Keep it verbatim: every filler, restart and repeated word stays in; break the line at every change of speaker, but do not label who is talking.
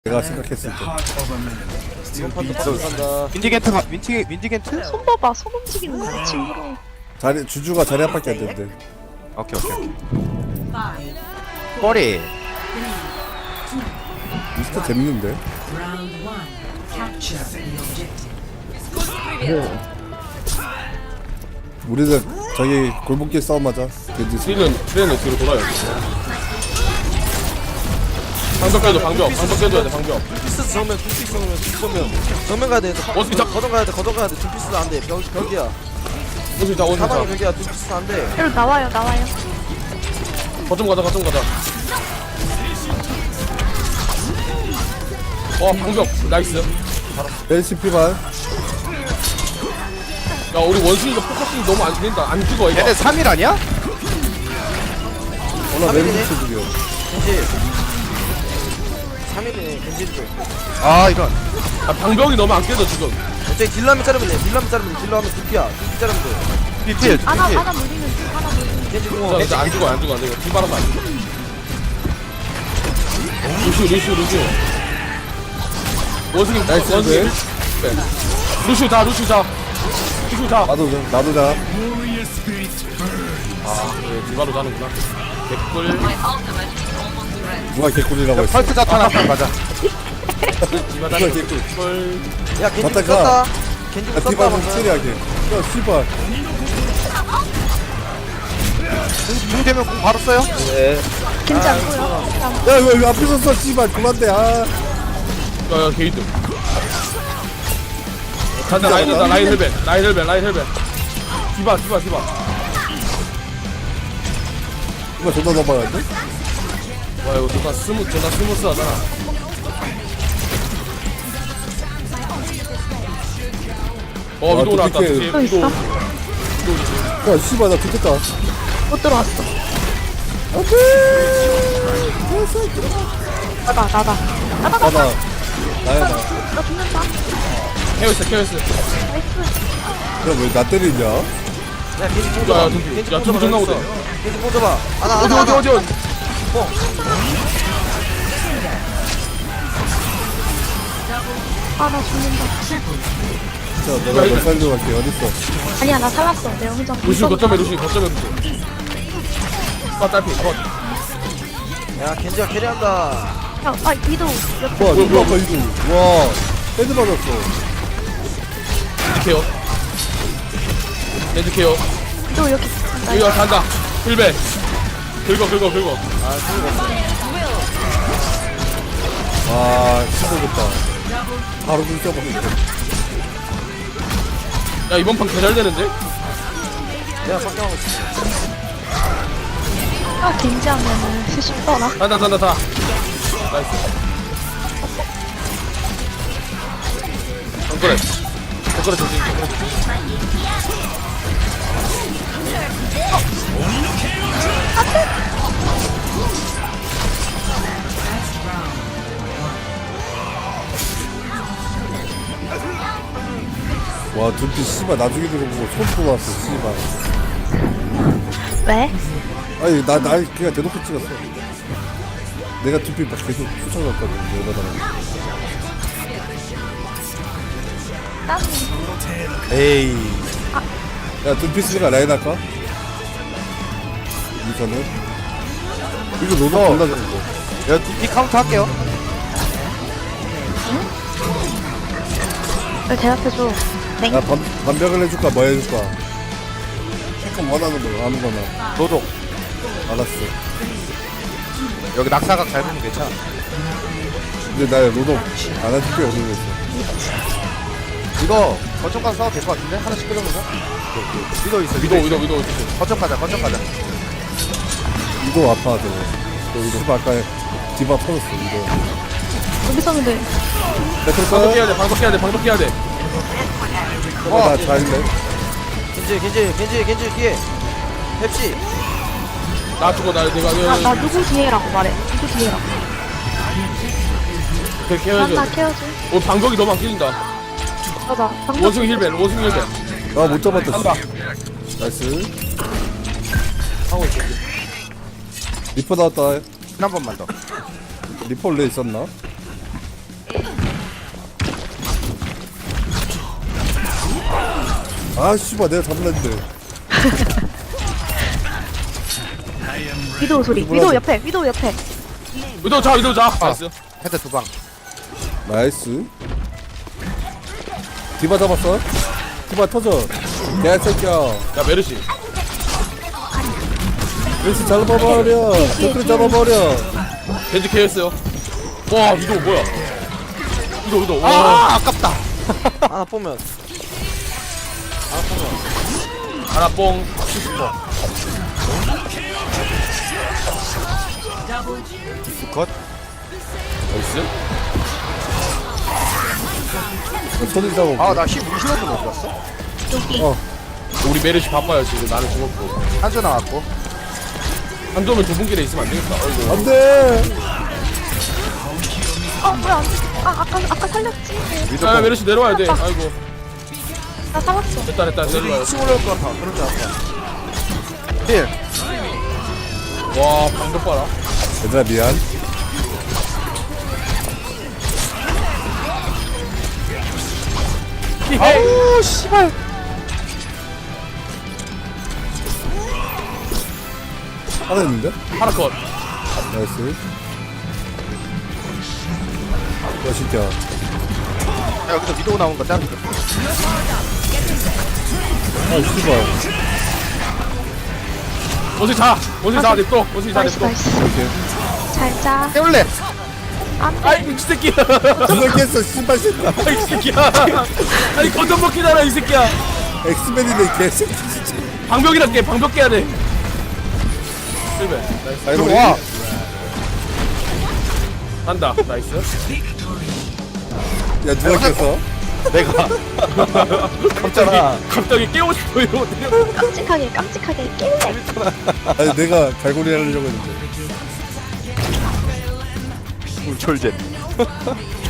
내가 생각했을 때
이번 판도 바로 간다.
윈디겐트 가- 윈디 윈디겐트?
손 봐봐, 손 움직이는 거 친구로.
자리 주주가 자리 앞밖에 안 된대.
오케이 오케이. 머리.
미스터 재밌는데. 우리는 저기 골목길 싸움하자. 겐지
트레는 트레는 뒤로 돌아요. 방벽 깨줘 방벽 방벽 깨줘야 돼 방벽.
피스 정면 두피스 정면 두피스 정면 정면 가야 돼.
어, 진짜?
거정 가야 돼. 거정 가야 돼. 두피스 안 돼. 벽 벽이야.
원숭이 자 원숭이
사방이
자.
벽이야. 두피스 안 돼.
여기 나와요, 나와요.
거점 가자 거점 가자. 어 방벽 나이스.
엘시피만
야 우리 원숭이가 포커싱 너무 안 된다. 안 죽어 이거.
얘네 삼 일 아니야?
오나 메리츠 죽여.
겐지. 삼 일이네. 겐지도.
아 이런.
아 방벽이 너무 안 깨져 지금.
어차피 딜라면 자르면 돼. 딜라면 자르면 돼. 딜라면 두피야. 두피 자르면 돼.
비필
하나,
비필.
하나 물리면 돼, 하나 물리면
겐지
자
공원.
이제 안 죽어 안 죽어 안 죽어. 뒷바람 안 죽어. 루시우 루시우 루시우. 원숭이
나이스,
원숭이.
네.
네. 루시우 자 루시우 자. 루시우 자.
나도 자, 나도 자.
아 그래 뒷바로 자는구나. 개꿀.
누가 개꿀이라고 했어?
펄트 자탄 한판 가자.
디바
누가
자는
개꿀?
개꿀.
야 겐지
갔다
썼다.
가.
겐지
아
썼다.
디바 좀
방금.
처리하게. 야 씨발.
궁 되면 궁 바로 써요?
겐지 안 보여.
야왜 왜 앞에 섰어 씨발 그만돼. 아
야야 게이드. 간다 라인 된다 라인 헬벤 라인 헬벤 라인 헬벤. 디바 디바 디바.
이거 존나 넘어가는데?
와 이거 존나 스무 존나 스무스하잖아. 어
아,
위도 올라왔다.
어떡해.
뒤에
또
위도.
있어?
야 씨발 나 죽겠다.
못 들어왔어. 나다, 나다. 나다, 나다.
나다. 나야 나.
나 죽는다.
케어스 케어스.
나이스.
야왜 나 때리냐?
야 겐지 뽕
야,
줘봐.
야, 둠피.
겐지
야,
뽕
둠피
줘봐.
존나
있어.
오대.
겐지 뽕 줘봐. 하나
어디
하나
어디
하나.
어디 어디.
아, 나 죽는다.
자 내가 몇 살로 갈게 어딨어?
아니야, 나 살았어. 내가 혼자.
루시 거점에 루시 거점에 루시. 아 딸피 컷.
야 겐지가 캐리한다.
야, 아, 위도. 옆에.
와 누가 아까 이거 와 헤드 맞았어.
케어. 렌즈 케어.
위도 여기. 나
이거 간다. 힐베. 긁어 긁어 긁어.
아 힘들겠다. 바로 불 쪄버리네.
야 이번 판 개잘되는데?
내가 석경하고 있어.
아, 겐지 하면은 쉽더라.
간다 간다 다. 나이스. 덩그레. 덩그레 조심. 덩그레 조심.
와 두피 씨발 나중에 들어보고 손 뽑았어 씨발.
왜?
아니 나 나 그냥 대놓고 찍었어. 내가 두피 막 계속 쫓아갔거든 여자들한테.
난
에이.
야 두피 쓰니까 라인 할까? 이거는 이거 노동
어.
존나 좋은 거.
야 이 카운트 할게요.
널 대답해줘. 땡.
야 반, 반벽을 해줄까 뭐 해줄까? 조금 원하는 거 아무거나.
노동.
알았어.
여기 낙사각 잘 보면 괜찮아.
근데 나 노동 안 해줄게 어디 있어.
이거 거점 가서 싸워도 될 것 같은데? 하나씩 끌어보자. 위도 있어.
위도 위도 위도 위도.
거점 가자. 거점 가자.
이거 아파 저거. 저 이거 씨발 아까 디바 터졌어 이거.
여기서 근데.
배틀
방독
까
해야 돼 방독 해야 돼 방독 해야 돼.
나 잘했네.
겐지 겐지 겐지 겐지 뒤에. 펩시.
나 죽어 나 내가
아,
내가
나 누구 뒤에라고 말해. 누구 뒤에라고.
그렇게
난
해야죠.
나 케어줘.
어 방벽이 너무 안 깨진다.
맞아. 방금
원숭이 힐벤 원숭이 힐벤.
아못 잡았다.
한다.
나이스.
하고 있어.
리퍼 나왔다.
한 번만 더.
리퍼 원래 있었나? 아 씨발 내가 잡을라 했는데.
위도우 소리. 위도우 옆에. 위도우 옆에.
위도 자 위도 자 나이스
헤드 두방
나이스. 디바 잡았어? 디바 터져. 개새끼야.
야 메르시
왼쪽 잡아버려. 댓글 잡아버려.
겐지 케어했어요 와 위도 뭐야 위도 위도 와
아 아깝다
하나 보면
하나 뽕
컷
나이스
손을 잡아.
아나 힐 우리 힐러도 못 봤어?
여기.
어.
우리 메르시 바빠요 지금 나는 죽었고
한조 나왔고
한조면 좁은 길에 있으면 안 되겠다 어이구
안돼.
어, 뭐야. 안 돼. 아, 아까, 아까 살렸지.
야 메르시 내려와야 돼 아이고
나 살았어.
됐다 됐다 내려와요
층 올라올 것 같아 그런 줄 알았어 힐
와 방금 봐라
얘들아 미안.
아우 씨발
하나 있는데?
하나 컷
나이스. 야 진짜.
야, 여기서 위도우 나온 거 짱이다
아 씨발.
원숭이 자 원숭이 자 냅둬 원숭이 자
나이스,
냅둬
나이스.
이렇게.
잘 자.
깨울래
안 돼.
아이 미친 새끼야
그걸 깼어 씨발 새끼야.
아이 새끼야 아니 건전 먹기잖아 이 새끼야
엑스맨이네 개새끼 진짜.
방벽이라 깨 방벽 깨야 돼 실패 나이스
아이고
들어와
한다 나이스
야 누가 깼어?
내가
갑자기 갑자기 깨고 싶어 이러고
깜찍하게, 깜찍하게 깰래.
아니 내가 갈고리 하려고 했는데.
울철제